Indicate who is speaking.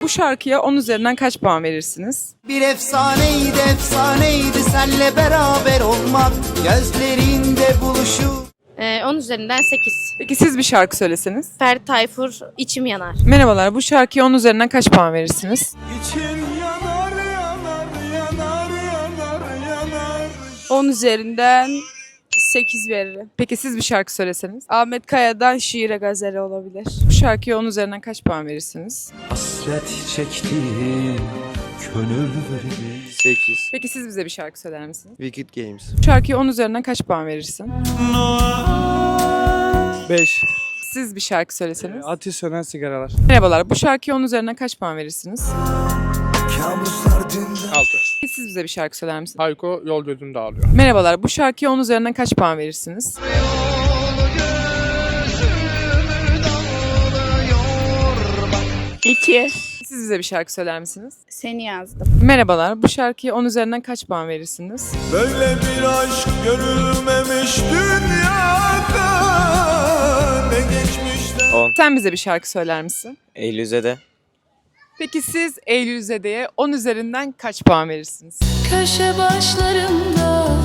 Speaker 1: şarkıya 10 üzerinden kaç puan verirsiniz?
Speaker 2: Bir efsaneydi efsaneydi senle beraber olmak, gözlerinde buluşup.
Speaker 3: 10 üzerinden 8.
Speaker 1: Peki siz bir şarkı söyleseniz?
Speaker 3: Ferdi Tayfur, içim yanar.
Speaker 1: Merhabalar, bu şarkıya 10 üzerinden kaç puan verirsiniz?
Speaker 2: İçim yanar yanar yanar yanar yanar.
Speaker 4: 10 üzerinden 8 veririm.
Speaker 1: Peki siz bir şarkı söyleseniz?
Speaker 4: Ahmet Kaya'dan Şiire Gazeli olabilir.
Speaker 1: Bu şarkıya 10 üzerinden kaç puan verirsiniz?
Speaker 2: Hasret çektiğim gönül verir.
Speaker 5: 8.
Speaker 1: Peki siz bize bir şarkı söyler misiniz?
Speaker 5: Wicked Games.
Speaker 1: Bu şarkıya 10 üzerinden kaç puan verirsin?
Speaker 6: 5.
Speaker 1: Siz bir şarkı söyleseniz?
Speaker 6: Ateş sönen sigaralar.
Speaker 1: Merhabalar, bu şarkıya 10 üzerinden kaç puan verirsiniz?
Speaker 7: 6.
Speaker 1: Peki siz bize bir şarkı söyler misiniz?
Speaker 7: Hayko yol gözünde ağlıyor.
Speaker 1: Merhabalar, bu şarkıya 10 üzerinden kaç puan verirsiniz?
Speaker 4: 2.
Speaker 1: Siz bize bir şarkı söyler misiniz?
Speaker 4: Seni yazdım.
Speaker 1: Merhabalar, bu şarkıya 10 üzerinden kaç puan verirsiniz?
Speaker 2: Böyle bir aşk görülmemiş dünyada, ne geçmişte.
Speaker 5: 10.
Speaker 1: Sen bize bir şarkı söyler misin?
Speaker 5: Eylül'de.
Speaker 1: Peki siz Eylül Zede'ye 10 üzerinden kaç puan verirsiniz?
Speaker 8: Köşe başlarında